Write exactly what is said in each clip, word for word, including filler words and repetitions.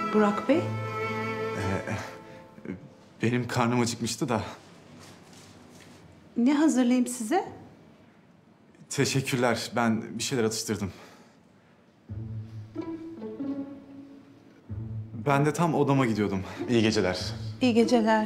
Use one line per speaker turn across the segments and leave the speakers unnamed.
Burak Bey?
Ee, benim karnım acıkmıştı da.
Ne hazırlayayım size?
Teşekkürler. Ben bir şeyler atıştırdım. Ben de tam odama gidiyordum. İyi geceler.
İyi geceler.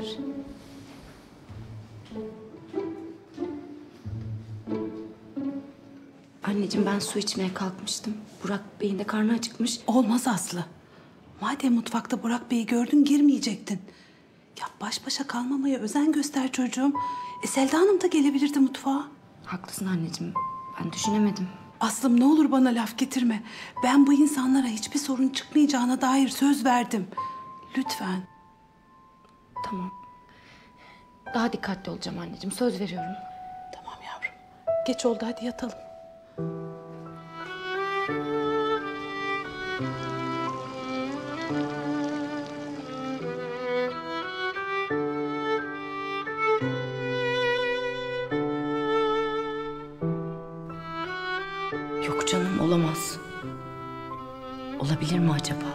Anneciğim ben su içmeye kalkmıştım. Burak Bey'in de karnı acıkmış.
Olmaz Aslı. Madem mutfakta Burak Bey'i gördün girmeyecektin. Ya baş başa kalmamaya özen göster çocuğum. E Selda Hanım da gelebilirdi mutfağa.
Haklısın anneciğim. Ben düşünemedim.
Aslım ne olur bana laf getirme. Ben bu insanlara hiçbir sorun çıkmayacağına dair söz verdim. Lütfen.
Tamam. Daha dikkatli olacağım anneciğim. Söz veriyorum.
Tamam yavrum. Geç oldu hadi yatalım.
Yok canım olamaz. Olabilir mi acaba?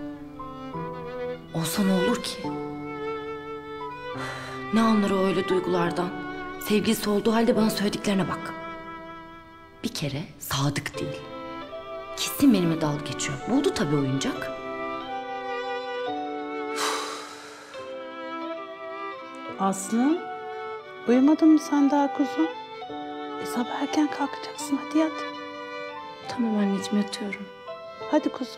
Olsa ne olur ki? Ne anlar o öyle duygulardan? Sevgilisi olduğu halde bana söylediklerine bak. Bir kere sadık değil. Kesin benimle dalga geçiyor. Buldu tabii oyuncak.
Aslı, uyumadın mı sen daha kuzum? E, sabah erken kalkacaksın hadi yat.
Tamam anneciğim yatıyorum.
Hadi kuzum.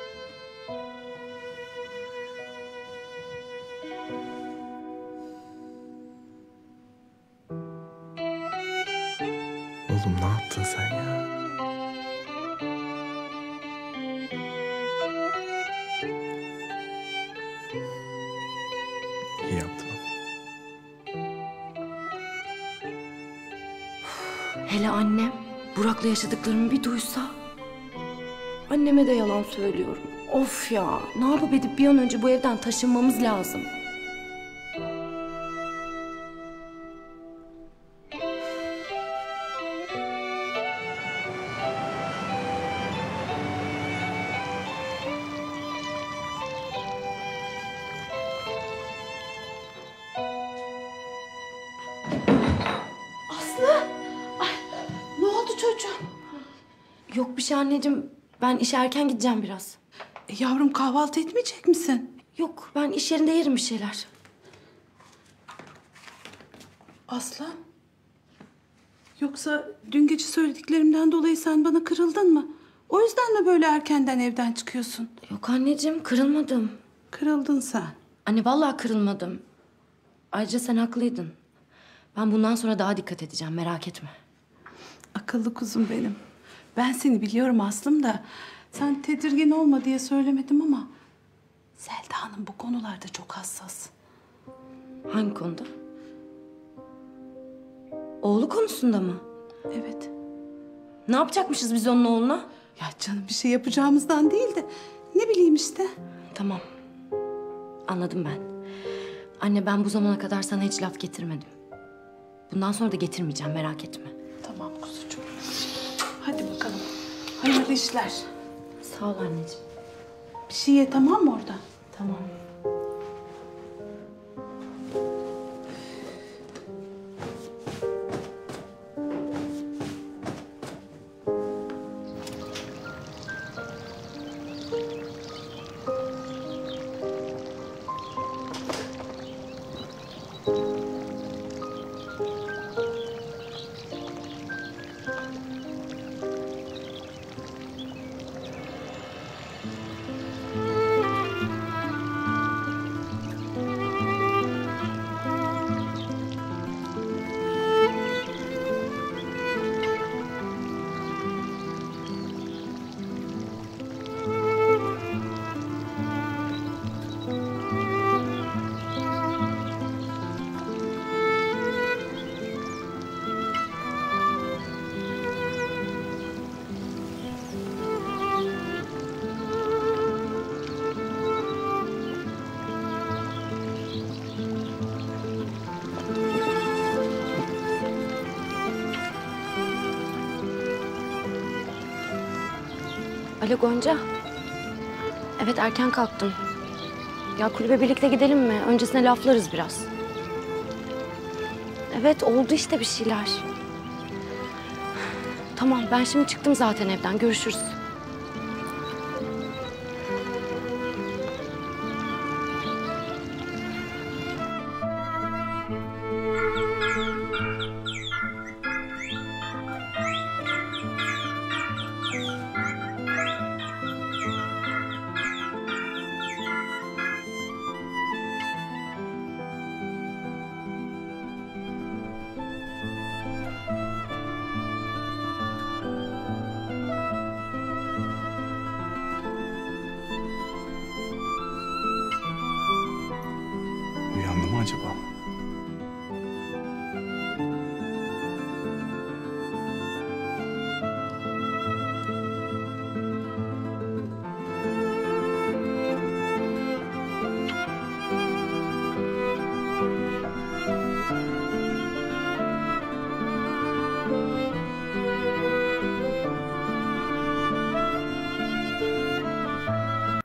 Oğlum ne yaptın sen ya? İyi yaptın ama.
Hele annem Burak'la yaşadıklarımı bir duysa. Anneme de yalan söylüyorum. Of ya, ne yapıp edip bir an önce bu evden taşınmamız lazım.
Aslı! Ay, ne oldu çocuğum?
Yok bir şey anneciğim. Ben işe erken gideceğim biraz.
E, yavrum kahvaltı etmeyecek misin?
Yok ben iş yerinde yerim bir şeyler.
Aslı? Yoksa dün gece söylediklerimden dolayı sen bana kırıldın mı? O yüzden mi böyle erkenden evden çıkıyorsun?
Yok anneciğim kırılmadım.
Kırıldın sen.
Anne vallahi kırılmadım. Ayrıca sen haklıydın. Ben bundan sonra daha dikkat edeceğim merak etme.
Akıllı kuzum benim. Ben seni biliyorum Aslım da sen tedirgin olma diye söylemedim ama Selda Hanım bu konularda çok hassas.
Hangi konuda? Oğlu konusunda mı?
Evet.
Ne yapacakmışız biz onun oğluna?
Ya canım bir şey yapacağımızdan değil de ne bileyim işte.
Tamam. Anladım ben. Anne ben bu zamana kadar sana hiç laf getirmedim. Bundan sonra da getirmeyeceğim merak etme.
Tamam kuzucuğum. Hadi bakalım. Hayırlı işler.
Sağ ol anneciğim.
Bir şey ye tamam mı orada?
Tamam. Alo Gonca. Evet erken kalktım. Ya kulübe birlikte gidelim mi? Öncesine laflarız biraz. Evet oldu işte bir şeyler. Tamam ben şimdi çıktım zaten evden. Görüşürüz.
Uyandı mı acaba?